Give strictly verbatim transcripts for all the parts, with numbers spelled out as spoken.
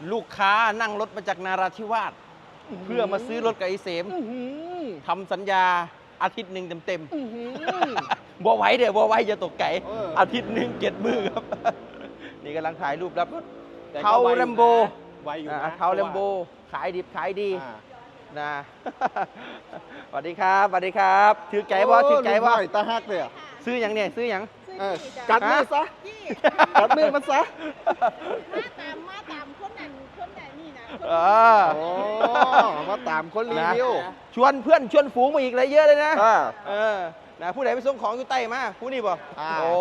ลูกค้านั่งรถมาจากนาราธิวาสเพื่อมาซื้อรถกับไอ้เสมทำสัญญาอาทิตย์หนึ่งเต็มๆ บัวไว้เดี๋ยวบัวไว้จะตกไก่อาทิตย์หนึ่งเจ็ดมือครับ นี่กำลังถ่ายรูปรับรถเทาแลมโบเทาแลมโบขายดิบขายดีนะสวัสดีครับสวัสดีครับถือไก่บ่ถือไก่บ่ตาฮักเลยซื้ออย่างเนี่ยซื้ออย่างกัดมือซะกัดมือมันซะมาตามมาตามคนนั้นคนไหนนี่นะเออมาตามคนรีวิวชวนเพื่อนชวนฝูงมาอีกเลยเยอะเลยนะเออนะผู้ใดไปส่งของอยู่ใต้มาผู้นี้บ่โอ้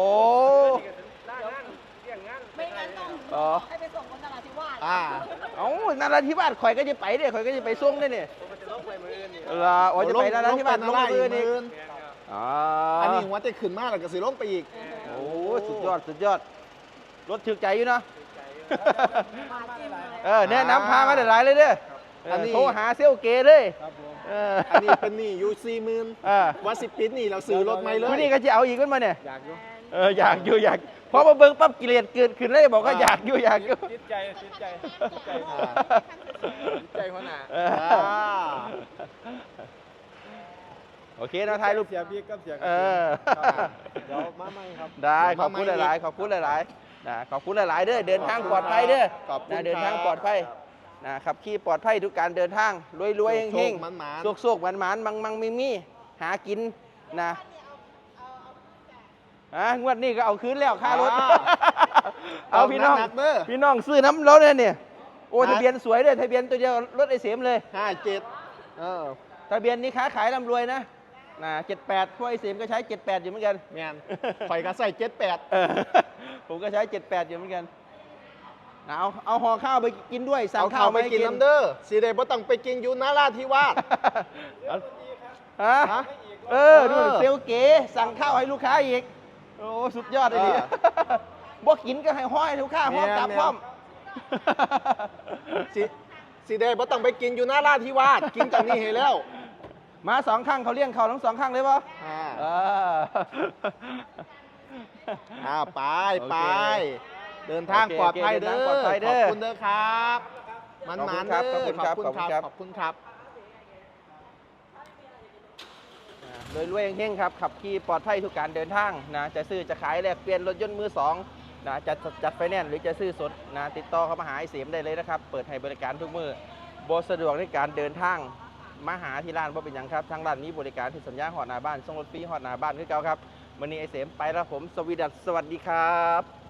ไม่งั้นต้องให้ไปส่งคนนราธิวาสเอ้านราธิวาสข่อยก็จะไปเด้ข่อยก็จะไปส่งได้เนี่ยเออโอ้จะไปนราธิวาสลงมือนี่อันนี้หัวจะขึ้นมากแล้วก็สิลงไปอีกโอ้สุดยอดสุดยอดรถถึกใจอยู่เนาะเออแนะนำพามาหลายเลยเด้อโทรหาเซลเกเลยอันนี้เป็นนี่ยูซีหมื่นวัดสิบปิดนี่เราซื้อรถใหม่เลยผู้นี้ก็จะเอาอีกขึ้นมาเนี่ยอยากอยู่เอออยากอยู่อยากพอมาเบิ่งปั๊บกิเลสเกิดขึ้นเลยบอกว่าอยากอยู่อยากอยู่จิตใจจิตใจจิตใจใจหัวหน้าโอเคนะถ่ายรูปเสียบีกับเสียเออเดี๋ยวมาใหม่ครับได้ขอบคุณหลายๆขอบคุณหลายๆนะขอบคุณหลายๆเด้อเดินทางปลอดภัยเด้อนะเดินทางปลอดภัยนะขับขี่ปลอดภัยทุกการเดินทางรวยรวยเฮงๆโชคๆหวานๆมังมังมีมีหากินนะอ่ะงวดนี้ก็เอาคืนแล้วค่ารถเอาพี่น้องพี่น้องซื้อน้ำรถเนี่ยโอ้ทะเบียนสวยเลยทะเบียนตัวเดียวรถไอเสมเลยห้าเจ็ดเออทะเบียนนี้ค้าขายร่ำรวยนะนะเจ็ดแปดพวกไอเสมก็ใช้เจ็ดแปดอยู่เหมือนกันแมนข่อยก็ใส่เจ็ดแปดผมก็ใช้เจ็ดแปดอยู่เหมือนกันเอาเอาห่อข้าวไปกินด้วยสั่งข้าวไปกินน้ำเด้อสีเดย์บ่ต้องไปกินยูนาราธิวาสฮะเออดูเซลเก๋สั่งข้าวให้ลูกค้าอีกโอ้สุดยอดเลยดิบ่กินก็ให้ห้อยลูกค้าห้องกลับพร้อมสีสีเดย์บ่ต้องไปกินยูนาราธิวาสกินจากนี้เห็นแล้วมาสองข้างเขาเลี้ยงเขาทั้งสองข้างเลยป่ะอ่าไปไปเดินทางปลอดภัยเด้อขอบคุณเด้อครับมันมันเด้อขอบคุณครับขอบคุณครับขอบคุณครับโดยรวยเฮงๆครับขับขี่ปลอดภัยทุกการเดินทางนะจะซื้อจะขายแลกเปลี่ยนรถยนต์มือสองนะจะจัดไฟแนนซ์หรือจะซื้อสดนะติดต่อเข้ามาหาไอเสมได้เลยนะครับเปิดให้บริการทุกมือบสะดวกในการเดินทางมาหาที่ร้านเพราะเป็นอย่างครับทางร้านมีบริการที่สัญญาหอดหน้าบ้านส่งรถฟรีหอดหน้าบ้านคือเก่าครับวันนี้ไอเสมไปแล้วผมสวีดัสสวัสดีครับ